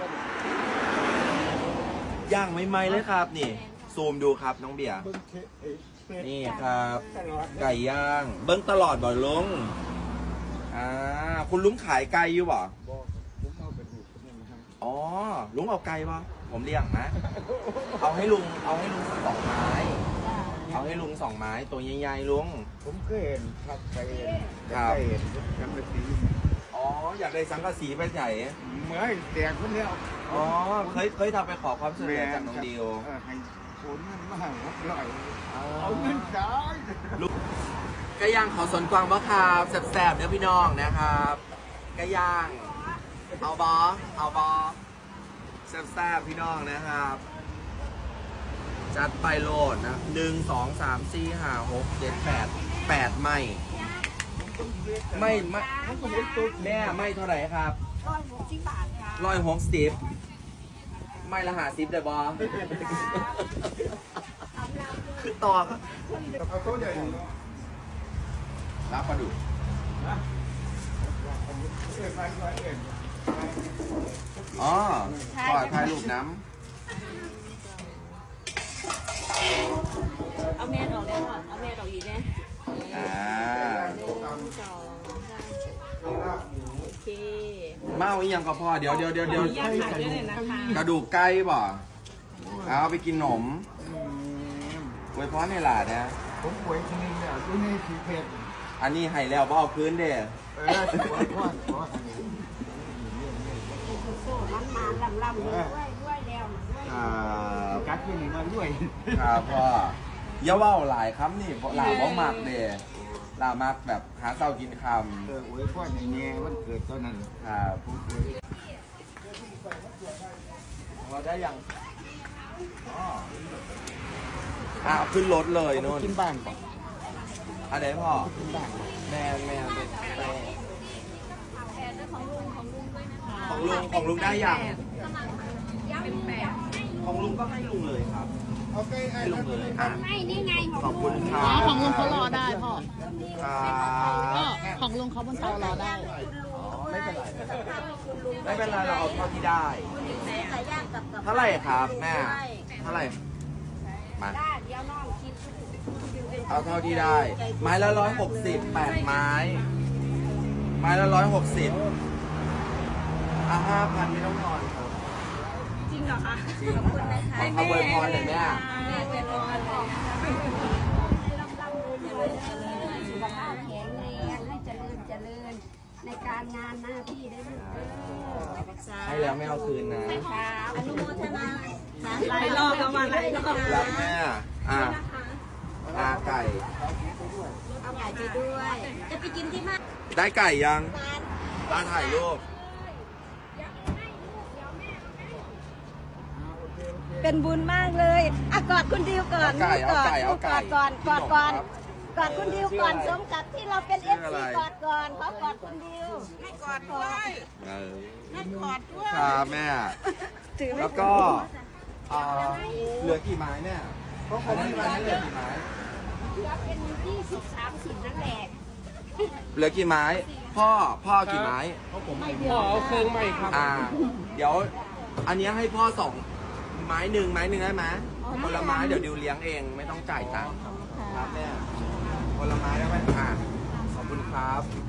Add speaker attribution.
Speaker 1: ย่างไม่ไหมเลยครับนี่ซูมดูครับน้องเบียร์นี่ครับไก่ย่างเบิ้งตลอดบ่ลุงคุณลุงขายไก่อยู่บ่อ๋อลุงเอาไก่บ่ผมเลี้ยงนะเอาให้ลุงสัก2 ไม้เอาให้ลุง2 ไม้ตัวใหญ่ๆลุง
Speaker 2: ผมเคยเห็นครับเคยเห็นสังกะสี
Speaker 1: อ๋ออยากได้สังกะสีไปใหญ่
Speaker 2: เมื่อแตกคนเดียว
Speaker 1: อ๋อเคยทำไปขอความช่วยเหลือจากน้องดิว
Speaker 2: ให้คนนั้นมาหน่อยเอาเงินจ่าย
Speaker 1: ไก่ย่างขอสนกวางบ่ครับแซ่บๆเด้อพี่น้องนะครับไก่ย่างเอาบอแซ่บๆพี่น้องนะครับจัดไปโหลดนะ1 2 3 4 5 6 7 8ไม่แม่ไม่เท่าไหร่ครับ
Speaker 3: 160 บาทค่ะ
Speaker 1: 160ไม่ละ50ได้บอคือต่อครับ
Speaker 2: เอาตัวใหญ่
Speaker 1: รับปลาดุกอ๋อขอถ่ายรูปน้ำ
Speaker 3: เอาแม่ดอกแล้วเอาแม่ดอกอีกนะโอเค
Speaker 1: เมาอีกอย่างก็พอเดี๋ยวกระดูกไก่บ่เอาไปกินขนมไว้พรในหลาดนะ
Speaker 2: ผมป่วยชนิดเนี่ยอยู่ในสีเพชร
Speaker 1: อันนี้ให้แล้วบ่เอาคืนเด้
Speaker 2: ป่วยพ่อ
Speaker 3: มันลำด้วยแล้ว
Speaker 2: กัดที่นี่มาด้วย
Speaker 1: ครับพ่ออย่าว่าหลายคำนี่หลาบ่มักเด้หลามักแบบหาเช้ากินคำ
Speaker 2: อวยพ่อในแง่วันเกิดตอนนั้น
Speaker 1: ครับเราได้ยังขึ้นรถเลยโน่น
Speaker 2: กินบ้านก่อน
Speaker 1: อันไหนพ่อ
Speaker 2: กินบ้าน
Speaker 1: แม่ของลุงได้ยังของลุงก็ให้ลุงเลยครับให้ลุงเลย
Speaker 3: ไม่นี่ไง
Speaker 1: ขอบคุณครับ
Speaker 4: ของลุงเขารอได้พ่อ
Speaker 1: ครับ
Speaker 4: ของลุงเขาบนเตารอได้
Speaker 1: ไม่เป็นไรเราเอาเท่าที่ได้เท่าไหร่ครับแม่เท่าไหร่มาเอาเท่าที่ได้ไม้ละ160 8 ไม้ละ1605,000ไม่ต้องนอนครับ
Speaker 3: จริงเหรอคะ
Speaker 1: จริงเอาเบอร์พรเลยแม่
Speaker 3: สุขภาพแข็งแรงให้เจริญในการงานหน้าที่ได้ลูก
Speaker 1: ให้แล้วไม่เอาคืนนะ
Speaker 3: อนุโมทนาหลายรอบประมาณหลายรอบ
Speaker 1: รับแม่ไก่
Speaker 3: เอาไก่ไปด้วยจะไปกินที่บ้าน
Speaker 1: ได้ไก่ยังถ่ายรูป
Speaker 3: เป็นบุญมากเลยกอดคุณดิวก่อนกอดคุณดิวก่อนสมกับที่เราเป็นFCกอดก่อนเขากอดคุณดิวให้กอดด้วยให้กอดด้วย
Speaker 1: ครับแม่แล้วก็เหลือกี่ไม้เนี่ยก็คงไม่ได้เหลือกี่ไม้
Speaker 3: เหลือเป็น20-30นั่นแหละ
Speaker 1: เหลือกี่ไม้พ่อกี่ไม้
Speaker 4: พ่อเอาเครื่องใหม่ครับ
Speaker 1: เดี๋ยวอันนี้ให้พ่อ2 ไม้หนึ่งได้ไหมคนละไม้เดี๋ยวดิวเลี้ยงเองไม่ต้องจ่ายตังค์ครับแม่คนละไม้ได้ไหมขอบคุณครับ